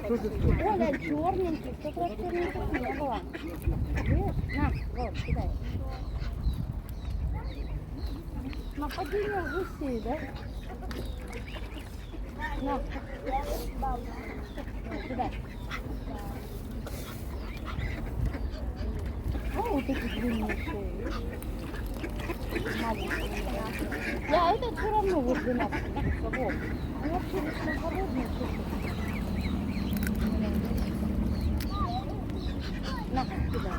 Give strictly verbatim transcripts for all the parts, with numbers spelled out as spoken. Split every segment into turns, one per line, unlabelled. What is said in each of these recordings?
Что ты тут?
Оля, черненький, в тот раз черненьких не было. Видишь? На, вот, кидай. Нападение гусей, да? На. Кидай. О, вот эти длинные шеи. Маленькие. Да, это все равно вот двенадцать собак. Они вообще вечно голодные. На, кидай.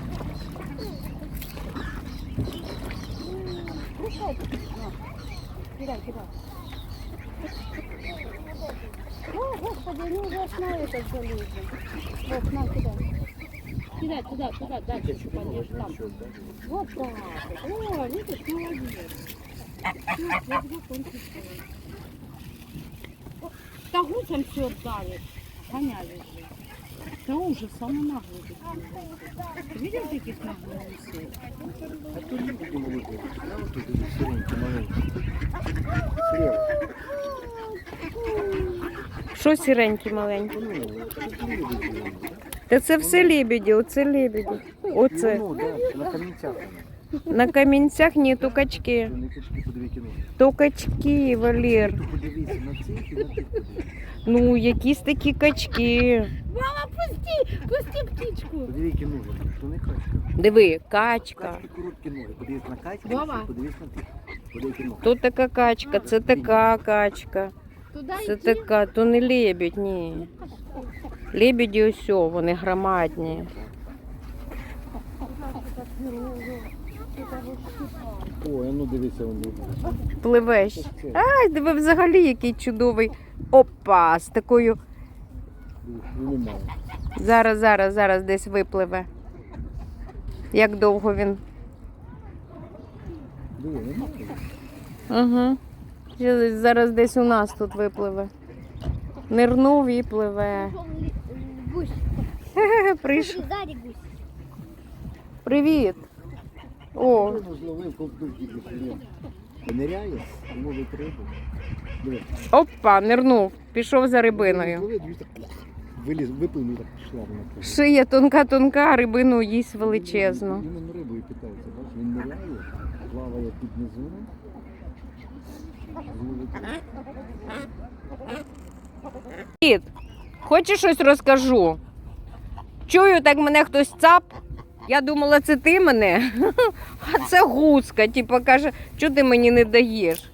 Кусай. На. Кидай, кидай. О, господи, они уже на этот залезли. Вот, на, кидай. Кидай туда, туда, дальше упадешь там. Вот так. О, видишь, молодец. Да гусям все отдали. Гоняли же. Да ужас, самый наглый. Ты видел таких наглых гусей?
А тут не такие маленькие. А вот тут эти сыренькие маленькие. Слева.
Що сіренькі маленькі?
Ну, тут лебеди.
Та це все лебеді, оце лебеді. Оце.
Ну, да, на камінцях.
На камінцях ні, то качки.
Вони качки по дві кіно.
То качки, Валер.
Тут подивіться на цих і на тих подивіться.
Ну, якісь такі качки.
Мама, пусти, пусти птичку.
По дві кіно, що не качка.
Диви, качка.
Качки короткі ноги. Подивіться на качку,
Вова.
подивіться на тих. По дві кіно.
То така качка, це така качка.
Туда
Це
иди.
така, то не лебідь, ні. Лебеді ось, о, вони громадні.
Ой, а ну дивіться, вони.
Пливеш. Ай, диви взагалі який чудовий. Опа, з такою.
Вони мало.
Зараз, зараз, зараз десь випливе. Як довго він.
Диви, нема кого.
Угу. Зараз десь у нас тут випливе. Нирнув і пливе.
Гусь.
Хе-хе, прийшов.
Сзади гусь.
Привіт. О,
Ну, зловив ковтук тільки сьогодні. Ниряє, ловить рибу. Диви.
опа, нирнув. Пішов за рибиною.
Зловив, дивись, так виліз, виплив і так пішла вона.
Шия тонка-тонка, а рибину їсть величезну.
Він рибою питається, бачиш, він ниряє, плаває під низом. Зловить рибу.
Привіт. Хочеш щось розкажу? Чую, так мене хтось цап. Я думала, це ти мене. А це гуска. Типа каже, що ти мені не даєш?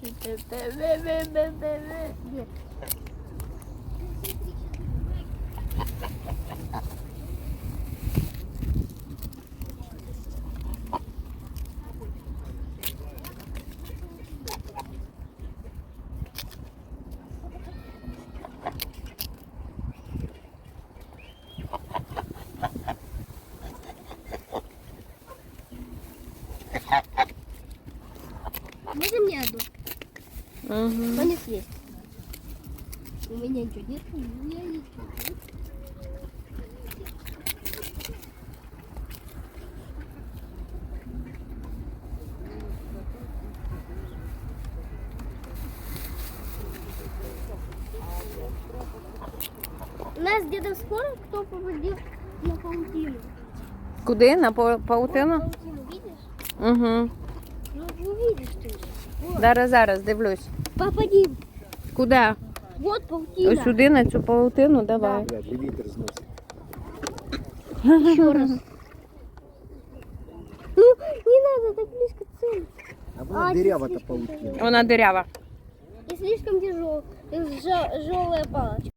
Можно мне одну?
Угу.
Можно съесть. У меня ничего нет, у меня ничего нет. У нас с дедом спорим, кто попадет на паутину.
Куди? На па- паутину?
Паутину видишь?
Угу.
Ну, увидишь ты же. Вот.
Зараз, зараз, дивлюсь.
Попади.
Куди?
Вот паутина.
Ось сюди, на цю паутину, давай.
Блядь, і вітер зносить.
Еще раз. Ну, не надо так близко цель.
А вона
А,
дырява-то
слишком
паутина.
Вона дирява.
И слишком тяжелая, тяжелая палочка.